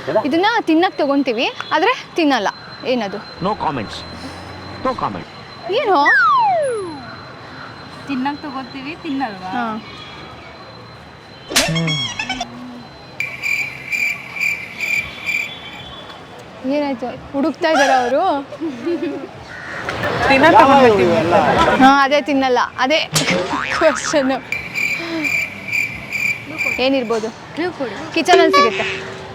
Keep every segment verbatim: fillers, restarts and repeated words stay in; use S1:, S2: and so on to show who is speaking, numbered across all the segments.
S1: ಇದನ್ನ ತಿನ್ನಕ್ಕೆ ತಗೊಂತೀವಿ ಆದರೆ ತಿನ್ನಲ್ಲ. ಏನದು?
S2: No comments. No comment.
S1: ಏನು?
S3: ತಿನ್ನಕ್ಕೆ ತಗೋತೀವಿ ತಿನ್ನಲ್ವಾ?
S1: ಹಾಂ. ಏನಾಯ್ತು? ಹುಡುಕ್ತಾ ಇದ್ದಾರ ಅವರು? ಹಾಂ, ಅದೇ ತಿನ್ನಲ್ಲ. ಅದೇ ಕ್ವಶನು. ಏನಿರ್ಬೋದು? ಕಿಚನಲ್ಲಿ ಸಿಗುತ್ತೆ.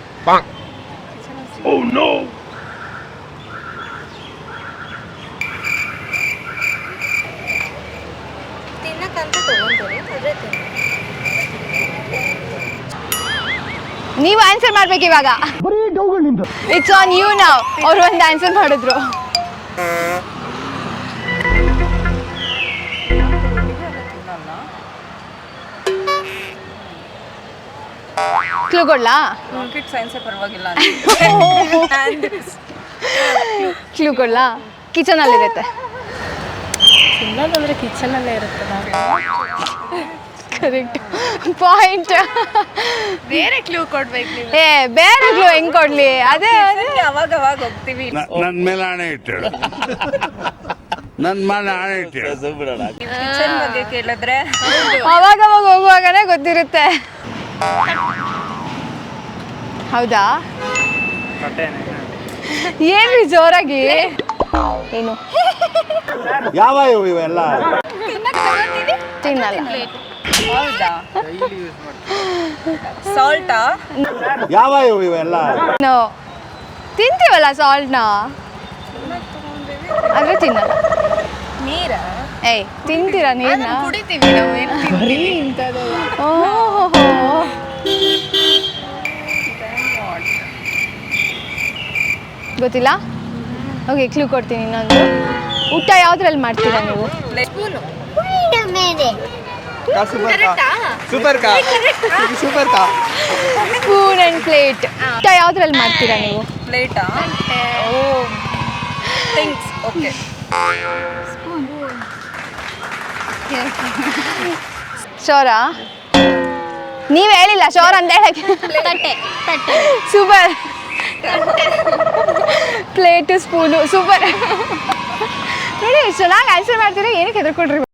S1: ನೀವು ಆನ್ಸರ್ ಮಾಡ್ಬೇಕು ಇವಾಗ. ಇಟ್ಸ್ ಆನ್ ಯು ನಾವ್. ಅವ್ರು ಒಂದು ಆನ್ಸರ್ ಮಾಡಿದ್ರು. ಕ್ಲೂ ಕೊಡ್ಲಾ?
S3: ಪರವಾಗಿಲ್ಲ.
S1: ಕ್ಲೂ ಕೊಡ್ಲಾ? ಕಿಚನಲ್ಲಿರುತ್ತೆ.
S3: ತಿನ್ನೋದಂದ್ರೆ ಕಿಚನಲ್ಲೇ ಇರುತ್ತೆ.
S1: Correct point.
S3: ಬೇರೆ ಕ್ಲೂ ಕೊಡ್ಬೇಕು ನೀವು.
S1: ಏ ಬೇರೆ ಕ್ಲೂ ಹೆಂಗ್ ಕೊಡ್ಲಿ? ಅದೇ
S3: ಅವಾಗ ಅವಾಗ ಹೋಗ್ತೀವಿ.
S4: ನನ್ ಮೇಲೆ ಆಣೆ ಇಟ್ಟಳು. ನನ್ ಮೇಲೆ ಆಣೆ ಇಟ್ಟಳು.
S3: ಕಿಚನ್ ಬಗ್ಗೆ ಕೇಳಿದ್ರೆ
S1: ಅವಾಗ ಅವಾಗ ಹೋಗುವಾಗನೇ ಗೊತ್ತಿರುತ್ತೆ. ಹೌದಾ? ಏನ್ರಿ ಜೋರಾಗಿ? ಏನು?
S4: ಯಾವ ಇವೆಲ್ಲ
S1: ತಿನ್ನಲ್ಲ.
S3: ಹೌದಾ? ಸಾಲ್ಟಾ?
S4: ಯಾವ ಇವೆಲ್ಲ
S1: ನೋ, ತಿಂತೀವಲ್ಲ ಸಾಲ್ಟ್ನ, ಆದ್ರೆ ತಿನ್ನಲ್ಲ.
S3: ನೀರ?
S1: ಏಯ್, ತಿಂತೀರಾ ನೀರ್ನ?
S3: ಕುಡಿತೀವಿ ನಾವು.
S1: ಓಹೋ, ಗೊತ್ತಿಲ್ಲ? ಓಕೆ, ಕ್ಲೂ ಕೊಡ್ತೀನಿ ಇನ್ನೊಂದು. ಊಟ ಯಾವ್ದ್ರಲ್ಲಿ ಮಾಡ್ತೀರಾ ನೀವು? Spoon and plate. ಊಟ ಯಾವ್ದ್ರಲ್ಲಿ ಮಾಡ್ತೀರಾ ನೀವು?
S3: ಪ್ಲೇಟಾ? ಓ, ಥಿಂಗ್ಸ್. ಓಕೆ.
S1: ಶೋರಾ? ನೀವ್ ಹೇಳಿಲ್ಲ ಶೋರ್ ಅಂತ ಹೇಳಕ್ಕೆ. ಸೂಪರ್. Plate, spoon. ಸೂಪರ್. ನೋಡಿ, ಚೆನ್ನಾಗಿ ಆನ್ಸರ್ ಮಾಡ್ತೀರಾ. ಏನಕ್ಕೆ ಹೆದರ್ಕೊಡ್ರಿ?